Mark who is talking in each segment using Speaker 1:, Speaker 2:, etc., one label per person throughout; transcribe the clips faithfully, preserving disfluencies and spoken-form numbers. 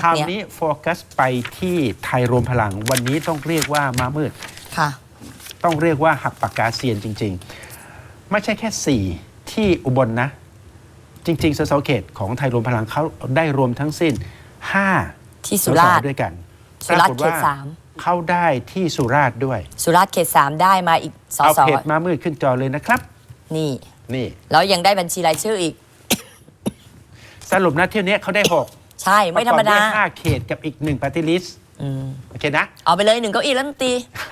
Speaker 1: คราวนี้โฟกัสไปที่ไทยรวมพลังวันนี้ต้องเรียกว่ามามืด
Speaker 2: ค่ะ
Speaker 1: ต้องเรียกว่าหักปากกาเซียนจริงๆไม่ใช่แค่สี่ที่อุบล นะจริงๆสสเขตของไทยรวมพลังเขาได้รวมทั้งสิ้นห้า
Speaker 2: ที่สุราษฎร์
Speaker 1: ด้วยกัน
Speaker 2: สุราษฎร์เขตสาม
Speaker 1: เข้าได้ที่สุราษฎร์ด้วย
Speaker 2: สุราษฎร์เขตสามได้มาอีกสส
Speaker 1: เอาเพจมามืดขึ้นจอเลยนะครับ
Speaker 2: นี่
Speaker 1: นี่
Speaker 2: แล้วยังได้บัญชีรายชื่ออีก
Speaker 1: สรุปนะเที่ยวนี้เขาได้หก
Speaker 2: ใช่ไม่ธรรมดา
Speaker 1: ห้าเขตกับอีกหนึ่งปาร์ตี้ลิสต์โอเคนะ
Speaker 2: เอาไปเลยหนึ่งเก้าอี้รัฐมนตรี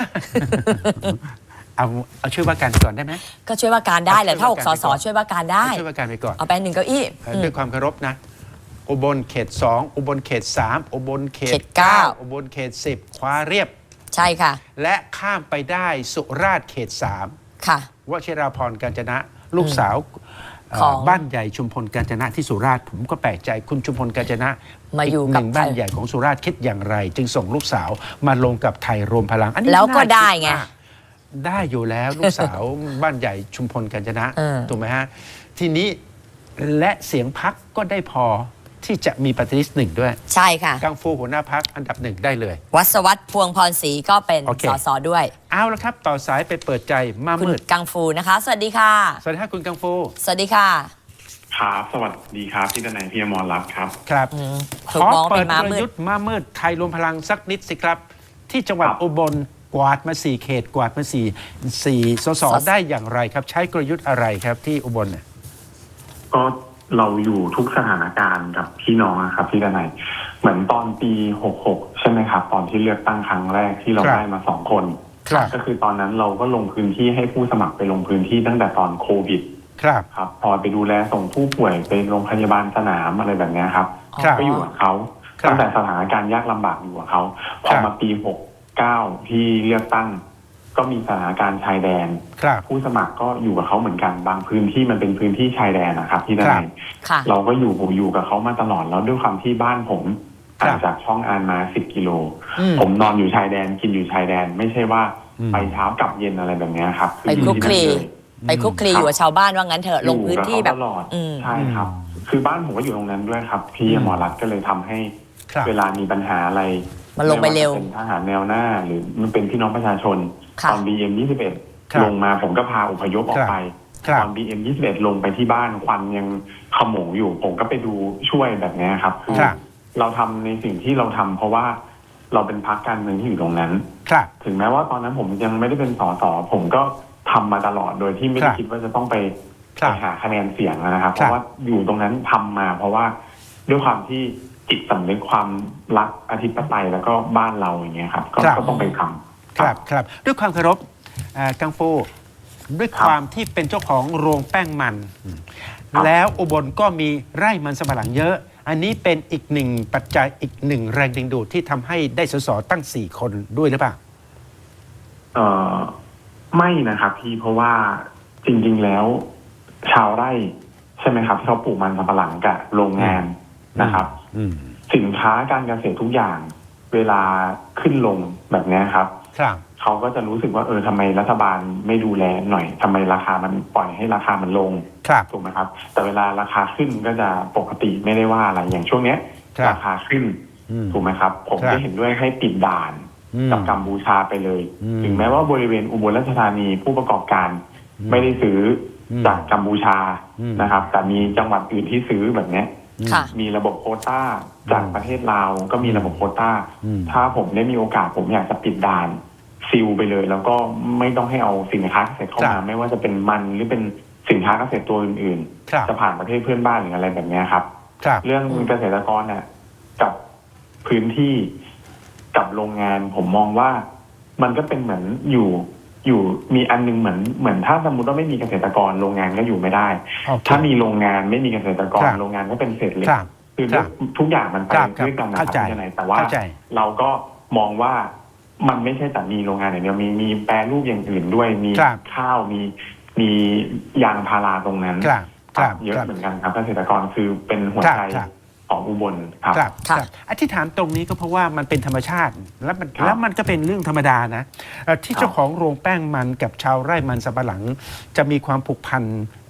Speaker 1: เอาเอาช่วยว่าการก่อนได้ไหม
Speaker 2: ก็ช่วยว่าการได้แหละถ้าหกสสช่วยว่าการได้
Speaker 1: ช่วยว่าการไปก่อน
Speaker 2: เอาไปหนึ่งเก้าอี้
Speaker 1: ด้วยความเคารพนะอุบลเขตสองอุบลเขตสามอุบลเขต
Speaker 2: เก้า
Speaker 1: อุบลเขตสิบคว้าเรียบ
Speaker 2: ใช่ค่ะ
Speaker 1: และข้ามไปได้สุราษฎร์เขตสาม
Speaker 2: ค่ะ
Speaker 1: วชิราพรกาญจนะลูกสาวของบ้านใหญ่ชุมพลกาญจนะที่สุราษฎร์ผมก็แปลกใจคุณชุมพลกาญจนะ
Speaker 2: มาอยู่
Speaker 1: กับบ้านใหญ่ของสุราษฎร์คิดอย่างไร จึงส่งลูกสาวมาลงกับไทยรวมพลังอันนี้
Speaker 2: แล้วก็ได้ไง
Speaker 1: ได้อยู่แล้วลูกสาวบ้านใหญ่ชุมพลกาญจนะถูกไหมฮะทีนี้และเสียงพักก็ได้พอที่จะมีปฏิริษีหนึ่งด้วย
Speaker 2: ใช่ค่ะ
Speaker 1: กังฟูหัวหน้าพักอันดับหนึ่งได้เลย
Speaker 2: วัศวัฒน์พวงพรศรีก็เป็นสสด้วย
Speaker 1: เอาละครับต่อสายไปเปิดใจมามืด
Speaker 2: กังฟูนะคะสวัสดีค่ะ
Speaker 1: สวัสดีค่ะคุณกังฟู
Speaker 2: สวัสดีค่ะ
Speaker 3: ครับสวัสดีครับพี่ดนัยพี่อมรรัตน์ครับ
Speaker 1: ครับขอเปิดกลยุทธ์มามืดไทยรวมพลังสักนิดสิครับที่จังหวัดอุบลกวาดมาสี่เขตกวาดมาสี่สี่สสได้อย่างไรครับใช้กลยุทธ์อะไรครับที่อุบลเนี่ย
Speaker 3: ก็เราอยู่ทุกสถานการณ์กับพี่น้องครับพี่ดนัยเหมือนตอนปีหกหกใช่ไหมครับตอนที่เลือกตั้งครั้งแรกที่เราได้มาสองคนก็คือตอนนั้นเราก็ลงพื้นที่ให้ผู้สมัครไปลงพื้นที่ตั้งแต่ตอนโควิด
Speaker 1: ครับ
Speaker 3: ครับพอไปดูแลส่งผู้ป่วยไปโรงพยาบาลสนามอะไรแบบนี้ครับก็อยู่กับเขาตั้งแต่สถานการณ์ยากลำบากอยู่กับเขาพอมาปีหกเก้าที่เลือกตั้งก็มีสถานการณ์ชายแดนผู้สมัครก็อยู่กับเขาเหมือนกันบางพื้นที่มันเป็นพื้นที่ชายแดนนะครับที่ได้เราก็อยู่อยู่กับเขามาตลอดแล้วด้วยความที่บ้านผมห่างจากช่องอานมาสิบกิโลผมนอนอยู่ชายแดนกินอยู่ชายแดนไม่ใช่ว่าไปเช้ากลับเย็นอะไรแบบนี้ครับ
Speaker 2: ไปคลุกคลีไปคลุกคลีอยู่กับชาวบ้านว่างั้นเถอะลงพื้นที่แบบ
Speaker 3: ใช่ครับคือบ้านผมก็อยู่ตรงนั้นด้วยครับพี่หมอรัตน์ก็เลยทำให้เวลามีปัญหาอะไร
Speaker 2: มันลงไปเร็ว
Speaker 3: เป็นทหารแนวหน้าหรือมันเป็นพี่น้องประชาชนตอน บี เอ็ม ยี่สิบเอ็ดลงมาผมก็พาอพยพออกไปตอน บี เอ็ม ยี่สิบเอ็ดลงไปที่บ้านควันยังขโมงอยู่ผมก็ไปดูช่วยแบบนี้ครับคือเราทำในสิ่งที่เราทำเพราะว่าเราเป็นพรรคการเมืองที่อยู่ตรงนั้นถึงแม้ว่าตอนนั้นผมยังไม่ได้เป็นสสผมก็ทำมาตลอดโดยที่ไม่ได้คิดว่าจะต้องไปไปหาคะแนนเสียงนะครับเพราะว่าอยู่ตรงนั้นทำมาเพราะว่าด้วยความที่จิตสำนึกความรักอธิปไตยแล้วก็บ้านเราอย่างเงี้ยครับก็ต้องไปทำ
Speaker 1: ครับครับด้วยความเคารพกังฟูด้วยความที่เป็นเจ้าของโรงแป้งมันแล้วอุบลก็มีไร่มันสำปะหลังเยอะอันนี้เป็นอีกหนึ่งปัจจัยอีกหนึ่งแรงดึงดูดที่ทำให้ได้สสตั้งสี่คนด้วยหรือเปล่า
Speaker 3: เอ่อไม่นะครับพี่เพราะว่าจริงๆแล้วชาวไร่ใช่ไหมครับที่เขาปลูกมันสำปะหลังกับโรงงานนะครับสินค้าการเกษตรทุกอย่างเวลาขึ้นลงแบบนี้ครับเขาก็จะรู้สึกว่าเออทำไมรัฐบาลไม่ดูแลหน่อยทำไมราคามันปล่อยให้ราคามันลงถูกไหมครับแต่เวลาราคาขึ้นก็จะปกติไม่ได้ว่าอะไรอย่างช่วงนี้ราคาขึ้นถูกไหมครับผมจะเห็นด้วยให้ปิดด่านกับกัมพูชาไปเลยถึงแม้ว่าบริเวณอุบลราชธานีผู้ประกอบการไม่ได้ซื้อจากกัมพูชานะครับแต่มีจังหวัดอื่นที่ซื้อแบบนี้มีระบบโควต้าจากประเทศลาวก็มีระบบโควต้าถ้าผมได้มีโอกาสผมอยากจะปิดด่านซิลไปเลยแล้วก็ไม่ต้องให้เอาสินค้าเกษตรเข้ามาไม่ว่าจะเป็นมันหรือเป็นสินค้าเกษตรตัวอื่นๆจะผ่านประเทศเพื่อนบ้านหรืออะไรแบบนี้ครับเรื่องเกษตรกรน่ะกับพื้นที่กับโรงงานผมมองว่ามันก็เป็นเหมือนอยู่อยู่มีอันนึงเหมือนเหมือนถ้าสมมติว่าไม่มีเกษตรกรโรงงานก็อยู่ไม่ได้ถ้ามีโรงงานไม่มีเกษตรกรโรงงานก็เป็นเศษเหล็กคือทุกอย่างมันไปด้วยกันนะครับที่ไหนแต่ว่าเราก็มองว่ามันไม่ใช่แต่มีโรงงานอย่างเดียวมีมีแปรรูปอย่างอื่นด้วยมีข้าวมีมียางพาราตรงนั้นเยอะเหมือนกันครับเกษตรกรคือเป็นหัวใจของอุบลครับ
Speaker 1: ครับที่ถามตรงนี้ก็เพราะว่ามันเป็นธรรมชาติแล้วมันแล้วมันก็เป็นเรื่องธรรมดานะที่เจ้าของโรงแป้งมันกับชาวไร่มันสำปะหลังจะมีความผูกพัน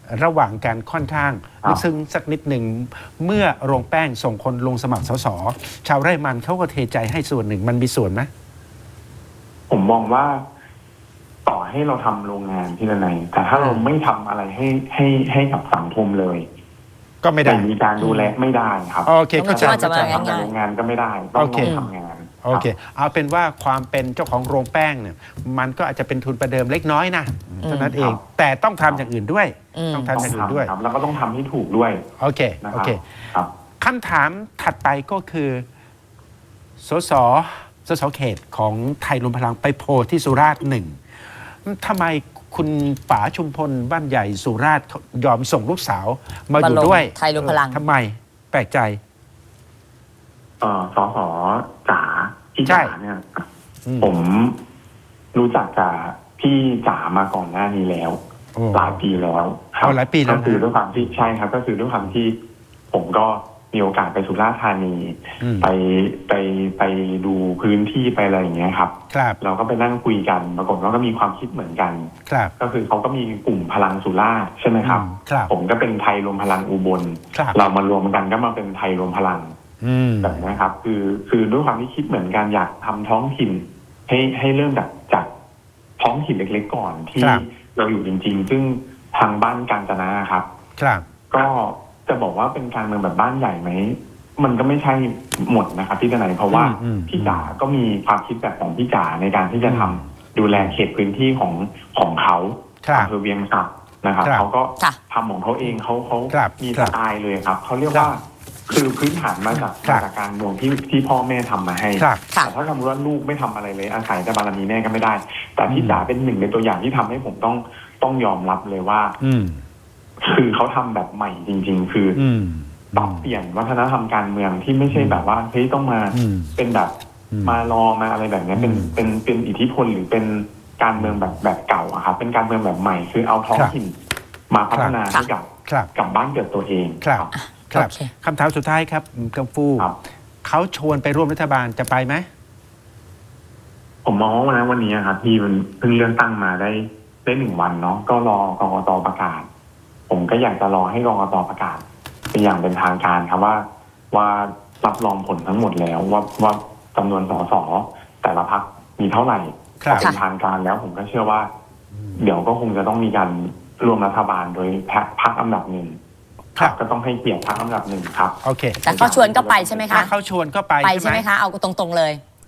Speaker 1: ระหว่างการค่อนข้าง
Speaker 3: ครับ
Speaker 1: ลึกซึ้งสักนิดหนึ่งเมื่อโรงแป้งส่งคนลงสมัครสสชาวไร่มันเขาก็เทใจให้ส่วนหนึ่งมันมีส่วนไหม
Speaker 3: ผมมองว่าต่อให้เราทำโรงงานที่ไหนแต่ถ้าเราไม่ทำอะไรให้ให้ให้กับสังคมเลย
Speaker 1: ก็ไม่ได้
Speaker 3: ไม่มีการดูแลไม่ได้ครับ
Speaker 1: โอเคเข้าใจ
Speaker 2: ก็จะ
Speaker 1: เข้าใจ
Speaker 2: มา
Speaker 3: ทำ
Speaker 2: ง่าย
Speaker 3: โรงงานก็ไม่ได้ต้อง
Speaker 1: โอเค
Speaker 3: ต้องทำงาน
Speaker 1: โอเค เอาเป็นว่าความเป็นเจ้าของโรงแป้งเนี่ยมันก็อาจจะเป็นทุนประเดิมเล็กน้อยนะเท่านั้นเอง แต่ต้องทำอย่างอื่นด้วย
Speaker 2: อืม
Speaker 1: ต้อง
Speaker 3: ต้
Speaker 1: ทำ
Speaker 3: อง
Speaker 1: อย่างอื่นด้วย
Speaker 3: ทำครับแล้วก็ต้องทำให้ถูกด้วย
Speaker 1: โอเค
Speaker 3: นะค
Speaker 1: โอ
Speaker 3: รับ
Speaker 1: เค
Speaker 3: ครับ
Speaker 1: คำถามถัดไปก็คือสสสสเขตของไทยรวมพลังไปโพลที่สุราษฎร์หนึ่งทำไมคุณป๋าชุมพลบ้านใหญ่สุราษฎร์ยอมส่งลูกสาวมาอยู่
Speaker 2: มาลง
Speaker 1: ด้วย
Speaker 2: ไทยรวมพลัง
Speaker 1: ทำไมแปลกใจ
Speaker 3: เอ่อสสจ๋าพี่
Speaker 1: ใช่
Speaker 3: จ๋าเนี่ย
Speaker 1: อืม
Speaker 3: ผมรู้จักกับพี่จ๋ามาก่อนหน้านี้แล้ว
Speaker 1: โอ้
Speaker 3: หลายปีแล้วครั
Speaker 1: อ๋อหลายปีแล้วนะ
Speaker 3: ก็คือด้วยความที่ใช่ครับ ก็คือด้วยความที่ผมก็มีโอกาสไปสุราษฎร์ธานี
Speaker 1: อืม
Speaker 3: ไปไปไปดูพื้นที่ไปอะไรอย่างเงี้ยครับ
Speaker 1: ครับ
Speaker 3: เราก็ไปนั่งคุยกันปรากฏว่าก็มีความคิดเหมือนกัน
Speaker 1: ครับ
Speaker 3: ก็คือเขาก็มีกลุ่มพลังสุราษฎร์ใช่ไหมครับ
Speaker 1: อืมครับ
Speaker 3: ผมก็เป็นไทยรวมพลังอุบล
Speaker 1: ครับ
Speaker 3: เรามารวมกันก็มาเป็นไทยรวมพลัง
Speaker 1: อืม
Speaker 3: แบบนี้ครับ คือคือด้วยความที่คิดเหมือนกันอยากทำท้องถิ่น ให้ให้เริ่มจากจากท้องถิ่นเล็กๆก่อนที่
Speaker 1: ครับ
Speaker 3: เราอยู่จริง ๆ ซึ่งทางบ้านกาญจนะครับ
Speaker 1: ครับ
Speaker 3: ก็จะบอกว่าเป็นการเมืองแบบบ้านใหญ่ไหมมันก็ไม่ใช่หมดนะครับพี่ทนายเพราะว่า
Speaker 1: อืมอืม
Speaker 3: พี่จ๋าก็มีความคิดแบบของพี่จ๋าในการที่จะทำดูแลเขตพื้นที่ของของเขา
Speaker 1: ครับ
Speaker 3: อำเภอเวียงสะนะครับ
Speaker 1: ครับ
Speaker 3: เขาก็
Speaker 2: ค่ะ
Speaker 3: ทำของเขาเองเขาเขา
Speaker 1: ครับ
Speaker 3: มี
Speaker 1: ครั
Speaker 3: ส
Speaker 1: บ
Speaker 3: ไตล์เลยครับเขาเรียกว่าคือพื้นฐานมาจาก
Speaker 1: ครั
Speaker 3: มา
Speaker 1: บ
Speaker 3: จากการเมืองที่ที่พ่อแม่ทำมาให้
Speaker 1: ครับ
Speaker 2: ค่ะ
Speaker 3: แต่ถ้าสมมติว่าลูกไม่ทำอะไรเลยอาศัยแต่บารมีแม่ก็ไม่ได้ แต่พี่
Speaker 1: อืม
Speaker 3: จ๋าเป็นหนึ่งในตัวอย่างที่ทำให้ผมต้องต้องยอมรับเลยว่า
Speaker 1: อืม
Speaker 3: คือเขาทำแบบใหม่จริง ๆ คือ
Speaker 1: อืม
Speaker 3: ปรับเปลี่ยนวัฒนธรรมการเมืองที่ไม่ใช่แบบว่าเฮ้ยต้องมา
Speaker 1: อืม
Speaker 3: เป็นแบบ
Speaker 1: อืม
Speaker 3: มารอมาอะไรแบบนี้เป็น
Speaker 1: อืม
Speaker 3: เป็นเป็นอิทธิพลหรือเป็นการเมืองแบบแบบเก่าอะครับเป็นการเมืองแบบใหม่คือเอาท้อง
Speaker 1: ครับ
Speaker 3: ถิ่นมาพัฒนา
Speaker 2: ครับ
Speaker 3: ให้กับ
Speaker 1: ครับ
Speaker 3: กับบ้านเกิดตัวเอง
Speaker 1: ครับ ครับ
Speaker 2: โอเค
Speaker 1: คำถามสุดท้ายครับกังฟู
Speaker 3: ครับ
Speaker 1: เขาชวนไปร่วมรัฐบาลจะไปไหม
Speaker 3: ผมมองว่าวันนั้นวันนี้ครับที่มันเพิ่งเลื่อนตั้งมาได้ได้หนึ่งวันเนาะก็รอกกตประกาศ ผมก็อยากจะรอให้กกตประกาศเป็นอย่างเป็นทางการครับว่าว่ารับรองผลทั้งหมดแล้วว่าว่าจำนวนสสแต่ละพักมีเท่าไหร่
Speaker 1: ครับ
Speaker 3: พอเป็นทางการแล้วผมก็เชื่อว่า เดี๋ยวก็คงจะต้องมีการร่วมรัฐบาลโดยพรรคพรรคอันดับหนึ่ง
Speaker 1: ครับ
Speaker 3: ก็ต้องให้เกียรติพรรคอันดับหนึ่งครับ
Speaker 1: โอเค
Speaker 2: แต่เขาชวนก็ไปใช่ไหม
Speaker 1: ถ้า
Speaker 2: คะ
Speaker 1: เขาชวนก็ไป
Speaker 2: ไป
Speaker 1: ใช่
Speaker 2: ใช่
Speaker 1: ไห
Speaker 2: ไห
Speaker 1: ม
Speaker 2: มคะ เอาตรงๆเลย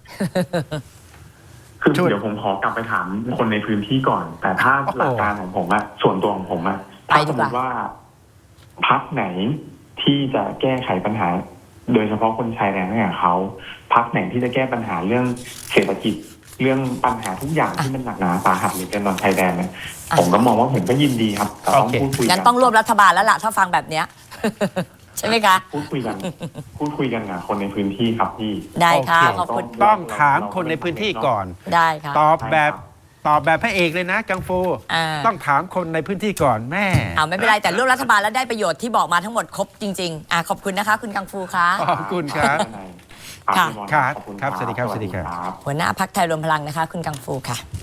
Speaker 3: คือ
Speaker 1: ชวน
Speaker 3: เดี๋ยวผมขอกลับไปถามคนในพื้นที่ก่อน แต่ถ้า
Speaker 1: โอ้โห
Speaker 3: หลักการของผมอะส่วนตัวของผมอะ
Speaker 2: ไป
Speaker 3: ถ้า
Speaker 2: ดี
Speaker 3: สม
Speaker 2: กว่า
Speaker 3: มติว่าพักไหนที่จะแก้ไขปัญหา โดยเฉพาะคนชายแดนให้กับเขาพักไหนที่จะแก้ปัญหาเรื่องเศรษฐกิจ เรื่องปัญหาทุกอย่างที่มันหนักหนาสาหัสหรือเป็นตอนชายแดนเนี่ย
Speaker 2: อ่ะ
Speaker 3: ผมก็มองว่าผมก็ยินดีครับแต่ต้อง
Speaker 1: โอเค
Speaker 3: พูดคุยกั
Speaker 2: งั้นต้องร่วมรัฐบาลแล้วล่ะถ้าฟังแบบเนี้ย ใช่ไหมคะ
Speaker 3: พูดคุยกัน พูดคุยกันกับคนในพื้นที่ครับพี่
Speaker 2: ได้ค่ะ
Speaker 1: โอเค
Speaker 2: ขอบคุณ
Speaker 1: ต้องถามคนในพื้นที่ก่อน
Speaker 2: ได้ค่ะ
Speaker 1: ตอบแบบ
Speaker 3: ใช่ครับ
Speaker 1: ตอบแบบพระเอกเลยนะกังฟู
Speaker 2: อ่า
Speaker 1: ต้องถามคนในพื้นที่ก่อนแม่
Speaker 2: เอาไม่เป็นไรแต่ร่วมรัฐบาลแล้วได้ประโยชน์ที่บอกมาทั้งหมดครบจริงๆอ่ะขอบคุณนะคะ คุณกังฟูคะ
Speaker 1: ขอบคุณครับ
Speaker 3: ครับ
Speaker 2: ค่ะ
Speaker 3: พี่มอน
Speaker 1: ครับ
Speaker 3: ขอณ
Speaker 1: ครับสวัสดีครับ
Speaker 3: สวัสดี
Speaker 1: สวัสดีครับ
Speaker 3: ครับ
Speaker 2: หัวหน้าพักไทยรวมพลังนะคะ คุณกังฟูค่ะ